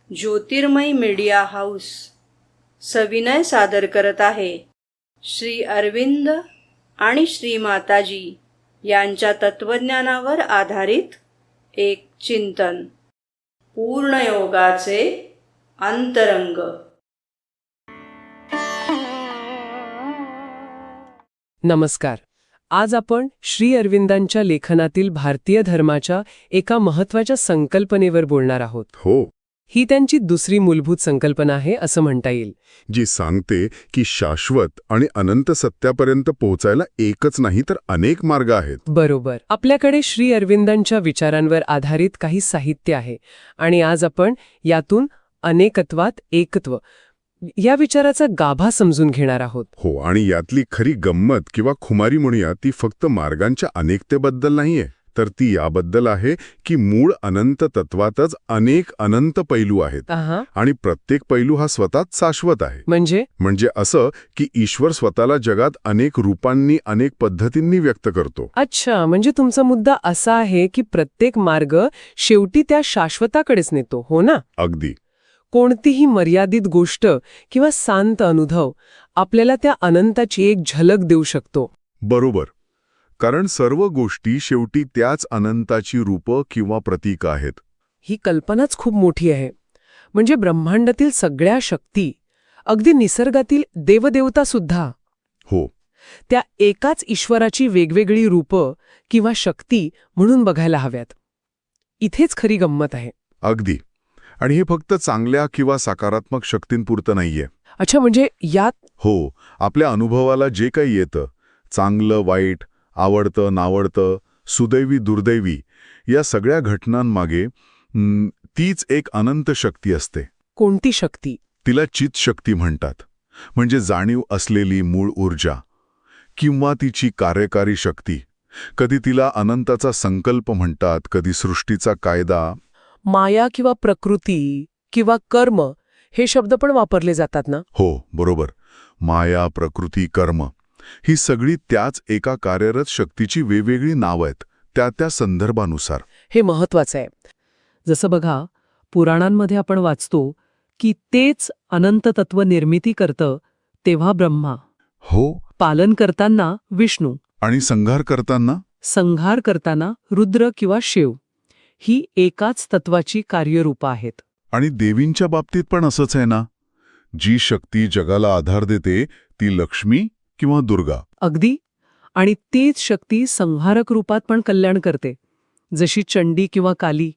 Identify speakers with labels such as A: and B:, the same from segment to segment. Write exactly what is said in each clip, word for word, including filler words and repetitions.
A: ज्योतिर्मय media house सविनय सादर करत आहे श्री अरविंद आणि श्री माताजी यांच्या तत्वज्ञानावर आधारित एक चिंतन, पूर्णयोगाचे अंतरंग.
B: नमस्कार. आज आपण श्री अरविंदांच्या लेखनातील भारतीय धर्माच्या एका महत्त्वाच्या संकल्पनेवर बोलणार आहोत.
C: हो,
B: ही त्यांची दुसरी मूलभूत संकल्पना आहे असं म्हणता येईल,
C: जी सांगते की शाश्वत आणि अनंत सत्यापर्यंत पोहोचायला एकच नाही तर अनेक मार्ग आहेत.
B: बरोबर. आपल्याकडे श्री अरविंदांच्या विचारांवर आधारित काही साहित्य आहे आणि आज आपण यातून अनेकत्वात एकत्व या विचाराचा गाभा समजून घेणार आहोत.
C: हो, आणि यातली खरी गंमत किंवा खुमारी म्हणूया ती फक्त मार्गांच्या अनेकतेबद्दल नाहीये, तर ती याबद्दल आहे की मूळ अनंत तत्वातच अनेक अनंत पैलू आहेत
B: आहा.
C: आणि प्रत्येक पैलू हा स्वतःच शाश्वत आहे.
B: म्हणजे
C: म्हणजे असं की ईश्वर स्वतःला जगात अनेक रूपांनी अनेक पद्धतींनी व्यक्त करतो.
B: अच्छा, म्हणजे तुमचा मुद्दा असा आहे की प्रत्येक मार्ग शेवटी त्या शाश्वताकडेच नेतो, हो ना?
C: अगदी.
B: कोणतीही मर्यादित गोष्ट किंवा शांत अनुभव आपल्याला त्या अनंताची एक झलक देऊ शकतो.
C: बरोबर. कारण सर्व गोष्टी शेवटी त्याच अनंताची रूपं किंवा प्रतीक आहेत.
B: ही कल्पनाच खूप मोठी आहे. म्हणजे ब्रह्मांडातील सगळ्या शक्ती, अगदी निसर्गातील देवदेवतासुद्धा,
C: हो,
B: त्या एकाच ईश्वराची वेगवेगळी रूपं किंवा शक्ती म्हणून बघायला हव्यात. इथेच खरी गंमत आहे.
C: अगदी. आणि हे फक्त चांगल्या किंवा सकारात्मक शक्तींपुरतं नाहीये.
B: अच्छा, म्हणजे यात
C: हो, आपल्या अनुभवाला जे काही येतं, चांगलं वाईट, आवडतं नावडतं, सुदैवी दुर्दैवी, या सगळ्या घटनांमागे हं, तीच एक अनंत शक्ती असते.
B: कोणती शक्ती?
C: तिला चित शक्ती म्हणतात. म्हणजे जाणीव असलेली मूळ ऊर्जा किंवा तिची कार्यकारी शक्ती. कधी तिला अनंताचा संकल्प म्हणतात, कधी सृष्टीचा कायदा.
B: माया किंवा प्रकृती किंवा कर्म हे शब्द पण वापरले जातात ना?
C: हो, बरोबर. माया, प्रकृती, कर्म ही सगळी त्याच एका कार्यरत शक्तीची वेगवेगळी नावं आहेत, त्या त्या संदर्भानुसार.
B: हे महत्वाचं आहे. जसं बघा, पुराणांमध्ये आपण वाचतो की तेच अनंत तत्व निर्मिती करतं तेव्हा ब्रह्मा,
C: हो,
B: पालन करताना विष्णू,
C: आणि संहार करताना
B: संहार करताना रुद्र किंवा शिव, ही एकाच तत्वाची कार्यरूपं आहेत.
C: आणि देवींच्या बाबतीत पण असंच आहे ना. जी शक्ती जगाला आधार देते ती लक्ष्मी किंवा दुर्गा.
B: अगदी. आणि तीच शक्ती संहारक रूपात पण कल्याण करते, जशी चंडी किंवा काली.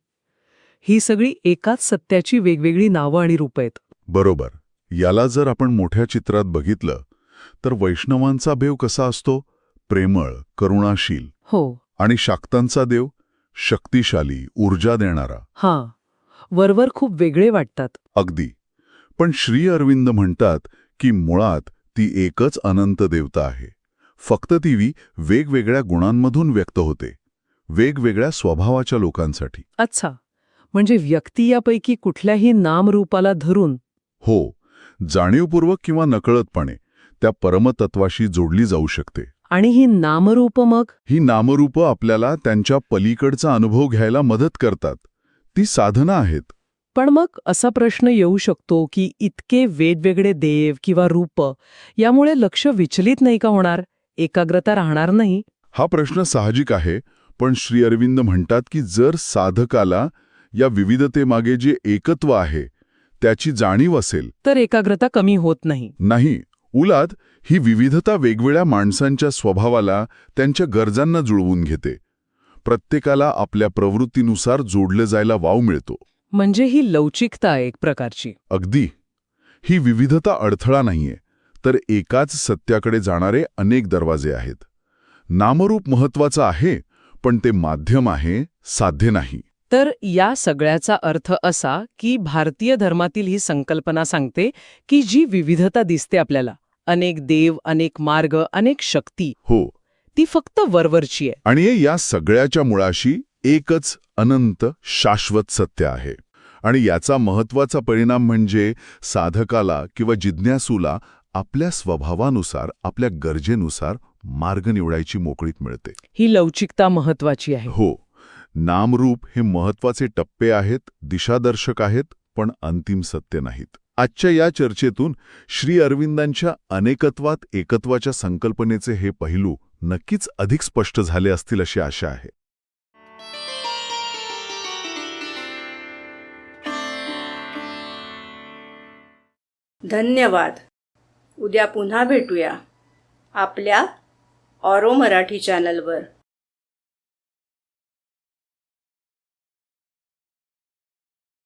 B: ही सगळी एकाच सत्याची वेगवेगळी नावं आणि रूपं आहेत.
C: बरोबर. याला जर आपण मोठ्या चित्रात बघितलं तर वैष्णवांचा देव कसा असतो? प्रेमळ, करुणाशील.
B: हो.
C: आणि शाक्तांचा देव शक्तिशाली, ऊर्जा देणारा.
B: हां, वरवर खूप वेगळे वाटतात.
C: अगदी. पण श्री अरविंद म्हणतात की मुळात ती एकच अनंत देवता आहे. फक्त ती वेगवेगळ्या गुणांमधून व्यक्त होते, वेगवेगळ्या स्वभावाच्या लोकांसाठी.
B: अच्छा, म्हणजे व्यक्ती यापैकी कुठल्याही नामरूपाला धरून,
C: हो, जाणीवपूर्वक किंवा नकळतपणे त्या परमतत्वाशी जोडली जाऊ शकते.
B: आणि ही नामरूपं मग
C: ही नामरूपं आपल्याला त्यांच्या पलीकडचा अनुभव घ्यायला मदत करतात. ती साधना आहेत.
B: पण मग असा प्रश्न येऊ शकतो की इतके वेगवेगळे देव किंवा रूप यामुळे लक्ष विचलित नाही का होणार? एकाग्रता राहणार नाही?
C: हा प्रश्न साहजिक आहे. पण श्री अरविंद म्हणतात की जर साधकाला या विविधतेमागे जे एकत्व आहे त्याची जाणीव असेल
B: तर एकाग्रता कमी होत नाही.
C: नाही, उलट ही विविधता वेगवेगळ्या माणसांच्या स्वभावाला, त्यांच्या गरजांना जुळवून घेते. प्रत्येकाला आपल्या प्रवृत्तीनुसार जोडले जायला वाव मिळतो.
B: म्हणजे ही लवचिकता एक प्रकारची.
C: अगदी. ही विविधता अडथळा नाहीये, तर एकाच सत्याकडे जाणारे अनेक दरवाजे आहेत. नामरूप महत्वाचं आहे, पण ते माध्यम आहे, साध्य नाही.
B: तर या सगळ्याचा अर्थ असा की भारतीय धर्मातील ही संकल्पना सांगते की जी विविधता दिसते आपल्याला, अनेक देव, अनेक मार्ग, अनेक शक्ती,
C: हो,
B: ती फक्त वरवरची आहे.
C: आणि या सगळ्याच्या मुळाशी एकच अनंत शाश्वत सत्य आहे. आणि याचा महत्वाचा परिणाम म्हणजे साधकाला किंवा जिज्ञासूला आपल्या स्वभावानुसार, आपल्या गरजेनुसार मार्ग निवडायची मोकळीक मिळते.
B: ही लवचिकता महत्वाची आहे.
C: हो, नामरूप हे महत्वाचे टप्पे आहेत, दिशादर्शक आहेत, पण अंतिम सत्य नाहीत. आजच्या या चर्चेतून श्री अरविंदांच्या अनेकत्वात एकत्वाच्या संकल्पनेचे हे पैलू नक्कीच अधिक स्पष्ट झाले असतील अशी आशा आहे.
A: धन्यवाद. उद्या पुन्हा भेटूया आपल्या ऑरो मराठी चॅनलवर.